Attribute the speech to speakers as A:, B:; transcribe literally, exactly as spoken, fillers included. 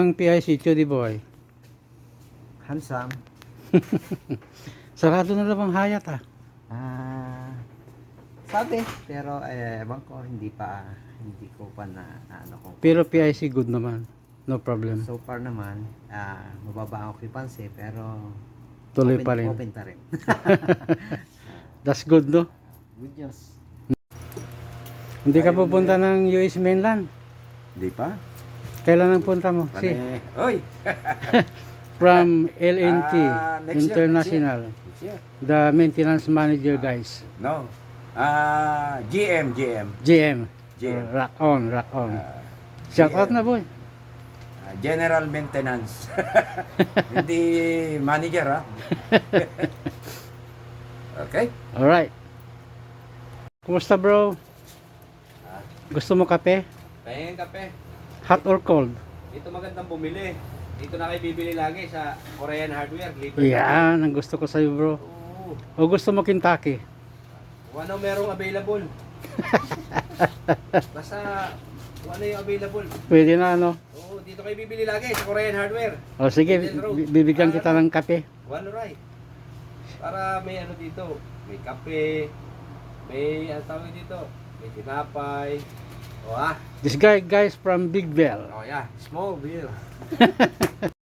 A: Ang P I C, Chudi Boy.
B: Handsome.
A: Sarado na lang ang hayat ah.
B: Ah, sabi, pero eh, ewan ko, hindi pa, hindi ko pa na, na ano ko.
A: Pero P I C good naman. No problem.
B: So far naman, ah, mababa ang occupancy, pero
A: Tuloy
B: open,
A: pa rin.
B: open pa rin.
A: That's good, no?
B: Good news.
A: Hindi ka
B: Ayun
A: pupunta ng U S mainland.
B: Hindi pa?
A: Kailan ang punta mo? Si,
B: Pane, oy!
A: from L N T
C: Ah, next year,
A: International.
C: Next year.
A: The maintenance manager guys.
C: No. Ah, G M, G M.
A: G M.
C: G M.
A: Uh, rock on, rock on.
C: Ah,
A: Shout out
C: G M.
A: na boy.
C: Ah, General Maintenance. Hindi manager, ha? Okay.
A: Alright. Kumusta bro? Gusto mo kape?
D: Pahingin kape.
A: Hot or cold?
D: Dito magandang bumili. Dito na kayo bibili lagi sa Korean Hardware. Libre.
A: Yan, ang gusto ko sa'yo bro.
D: Oo.
A: O gusto mo Kentucky?
D: Kung ano merong available. Basta kung ano yung available.
A: Pwede na ano?
D: Oo, dito kayo bibili lagi sa Korean Hardware.
A: O sige,
D: Indian Road.
A: bi- bibigyan
D: Ah,
A: kita
D: ano?
A: ng kape.
D: One right. Para may ano dito. May kape. May ano tawag dito. May tinapay. O ah.
A: This guy guys from Big Bell.
D: Oh yeah. Small bill.